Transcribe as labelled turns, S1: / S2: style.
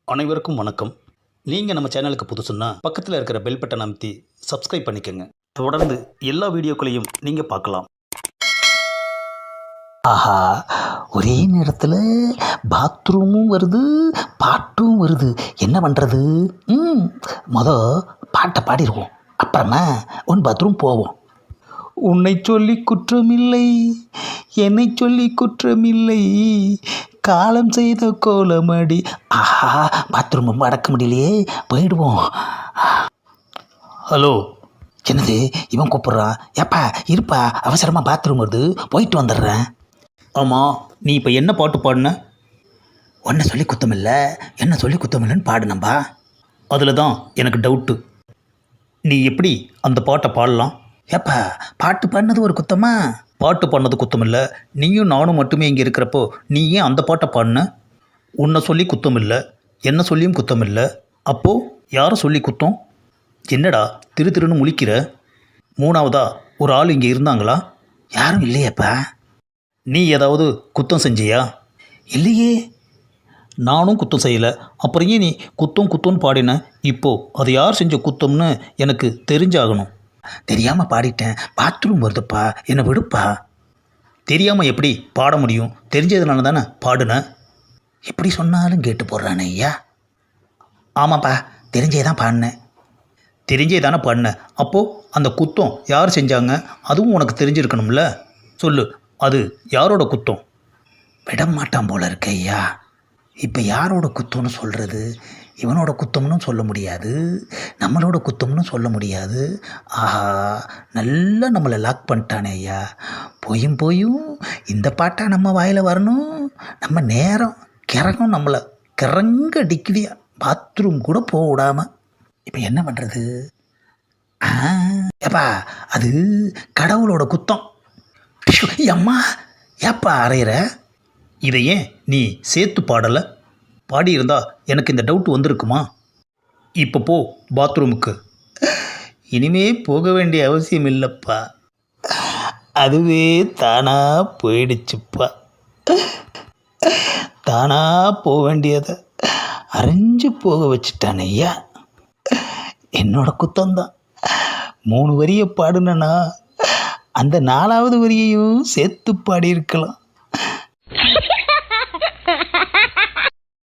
S1: அனைவருக்கும் வணக்கம். நீங்கள் நம்ம சேனலுக்கு புதுசுன்னா பக்கத்தில் இருக்கிற பெல் பட்டன் அமைத்தி சப்ஸ்கிரைப் பண்ணிக்கோங்க. தொடர்ந்து எல்லா வீடியோக்களையும் நீங்கள் பார்க்கலாம்.
S2: ஆஹா, ஒரே நேரத்தில் பாத்ரூமும் வருது, பாட்டும் வருது. என்ன பண்ணுறது? பாட்டை பாடிடுவோம், அப்புறமா பாத்ரூம் போவோம். உன்னை சொல்லி குற்றமில்லை, என்னை சொல்லி குற்றமில்லை, காலம் செய்த கோலமடி. ஆஹா, பாத்ரூம் ரொம்ப அடக்க முடியலையே, போயிடுவோம்.
S1: ஹலோ,
S2: என்னது இவன் கூப்பிட்றான்? ஏப்பா இருப்பா, அவசரமாக பாத்ரூம் வருது, போயிட்டு வந்துடுறேன்.
S1: ஆமாம், நீ இப்போ என்ன பாட்டு பாடின?
S2: ஒன்றை சொல்லி குத்தமில்லை, என்ன சொல்லி குத்தமில்லைன்னு பாடுனம்பா.
S1: அதில் தான் எனக்கு டவுட்டு. நீ எப்படி அந்த பாட்டை பாடலாம்?
S2: ஏப்பா, பாட்டு பாடினது ஒரு குத்தமா?
S1: பாட்டு பாடினது குத்தம் இல்லை. நீயும் நானும் மட்டுமே இங்கே இருக்கிறப்போ நீ ஏன் அந்த பாட்டை பாடின? உன்னை சொல்லி குத்தம் இல்லை, என்ன சொல்லியும் குத்தம் இல்லை. அப்போது யாரை சொல்லி குத்தம்? என்னடா திரு திருன்னு முழிக்கிற? மூணாவதா ஒரு ஆள் இங்கே இருந்தாங்களா?
S2: யாரும் இல்லையேப்பா.
S1: நீ ஏதாவது குத்தம் செஞ்சியா?
S2: இல்லையே.
S1: நானும் குத்தம் செய்யலை, அப்புறம் ஏன் நீ குத்தம் குத்தம்னு பாடின? இப்போது அது யார் செஞ்ச குத்தம்னு எனக்கு தெரிஞ்சாகணும்.
S2: தெரியாமல் பாடிட்டேன், பாத்ரூம் வருதுப்பா, என்னை விடுப்பா.
S1: தெரியாமல் எப்படி பாட முடியும்? தெரிஞ்சதுனால தானே பாடுன.
S2: எப்படி சொன்னாலும் கேட்டு போடுறானே ஐயா. ஆமாப்பா, தெரிஞ்சே தான் பாடினேன்.
S1: தெரிஞ்சே தானே பாடின. அப்போது அந்த குத்தம் யார் செஞ்சாங்க அதுவும் உனக்கு தெரிஞ்சிருக்கணும்ல. சொல்லு, அது யாரோட குத்தம்?
S2: விட மாட்டான் போல இருக்க ஐயா. இப்போ யாரோட குத்தம்னு சொல்கிறது? இவனோட குத்தம்னு சொல்ல முடியாது, நம்மளோட குத்தம்னு சொல்ல முடியாது. ஆஹா, நல்லா நம்மளை லாக் பண்ணிட்டானே ஐயா. போயும் போயும் இந்த பாட்டா நம்ம வாயில் வரணும். நம்ம நேரம் கிறங்கும், நம்மளை கிறங்க அடிக்குதியா, பாத்ரூம் கூட போக விடாமல். இப்போ என்ன பண்ணுறது? ஏப்பா, அது கடவுளோட குத்தம். அம்மா, ஏப்பா அறையிற?
S1: இதை ஏன் நீ சேர்த்து பாடலை? பாடியிருந்தா எனக்கு இந்த டவுட் வந்திருக்குமா? இப்போ போ பாத்ரூமுக்கு.
S2: இனிமே போக வேண்டிய அவசியம் இல்லைப்பா, அதுவே தானா போயிடுச்சுப்பா. தானா போக வேண்டியதை அரைஞ்சு போக வச்சுட்டான் ஐயா. என்னோட குத்தம்தான். 3 வரியை பாடுனா அந்த 4வது வரியையும் சேர்த்து பாடியிருக்கலாம்.